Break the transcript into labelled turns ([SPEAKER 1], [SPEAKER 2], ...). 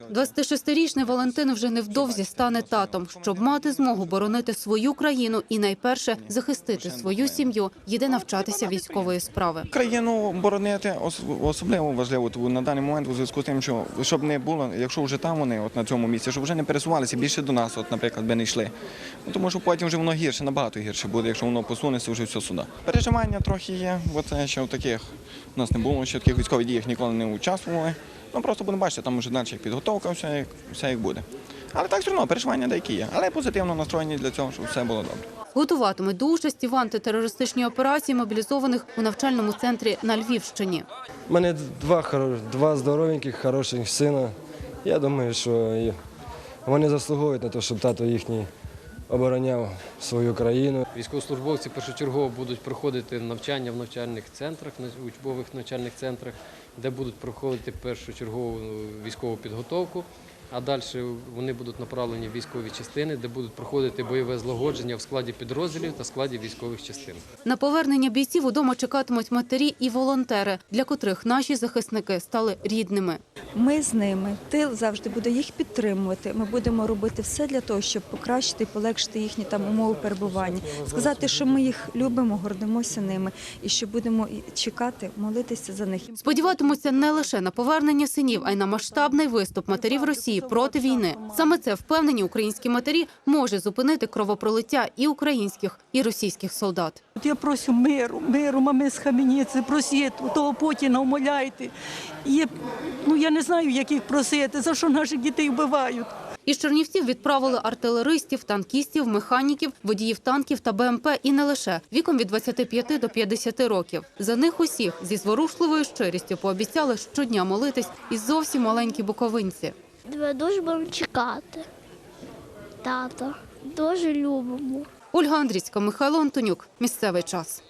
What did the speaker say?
[SPEAKER 1] 26-річний Валентин вже невдовзі стане татом. Щоб мати змогу боронити свою країну і найперше захистити свою сім'ю, їде навчатися військової справи.
[SPEAKER 2] Країну боронити особливо важливо на даний момент у зв'язку з тим, що щоб не було, якщо вже там вони на цьому місці, щоб вже не пересувалися більше до нас, наприклад, би не йшли. Тому що потім вже воно гірше, набагато гірше буде, якщо воно посунеться вже все сюди. Переживання трохи є, бо це ще в таких у нас не було, ще в таких військових діях ніколи не участвували. Просто будемо бачити, там вже далі підготовка, все як буде. Але так все одно переживання деякі є, але позитивно настроєні для цього, щоб все було добре.
[SPEAKER 1] Готуватимуть до участі в антитерористичній операції мобілізованих у навчальному центрі на Львівщині.
[SPEAKER 3] У мене два здоровеньких, хороших сина. Я думаю, що вони заслуговують на те, щоб тато їхній обороняв свою країну.
[SPEAKER 4] Військовослужбовці першочергово будуть проходити навчання в навчальних центрах, учбових навчальних центрах, де будуть проходити першочергову військову підготовку, а далі вони будуть направлені в військові частини, де будуть проходити бойове злагодження в складі підрозділів та складі військових частин.
[SPEAKER 1] На повернення бійців удома чекатимуть матері і волонтери, для котрих наші захисники стали рідними.
[SPEAKER 5] Ми з ними, тил завжди буде їх підтримувати. Ми будемо робити все для того, щоб покращити і полегшити їхні умови перебування. Сказати, що ми їх любимо, гордимося ними і що будемо чекати, молитися за них.
[SPEAKER 1] Сподіватимуться не лише на повернення синів, а й на масштабний виступ матерів Росії проти війни. Саме це, впевнені українські матері, може зупинити кровопролиття і українських, і російських солдат.
[SPEAKER 6] Я прошу миру, мами схаменіться, просіть, того Путіна умоляйте. Я не знаю, як їх просити, за що наших дітей вбивають.
[SPEAKER 1] Із Чернівців відправили артилеристів, танкістів, механіків, водіїв танків та БМП і не лише, віком від 25 до 50 років. За них усіх зі зворушливою щирістю пообіцяли щодня молитись і зовсім маленькі буковинці.
[SPEAKER 7] Ми дуже будемо чекати. Тато, дуже любимо.
[SPEAKER 1] Ольга Андрійська, Михайло Антонюк. Місцевий час.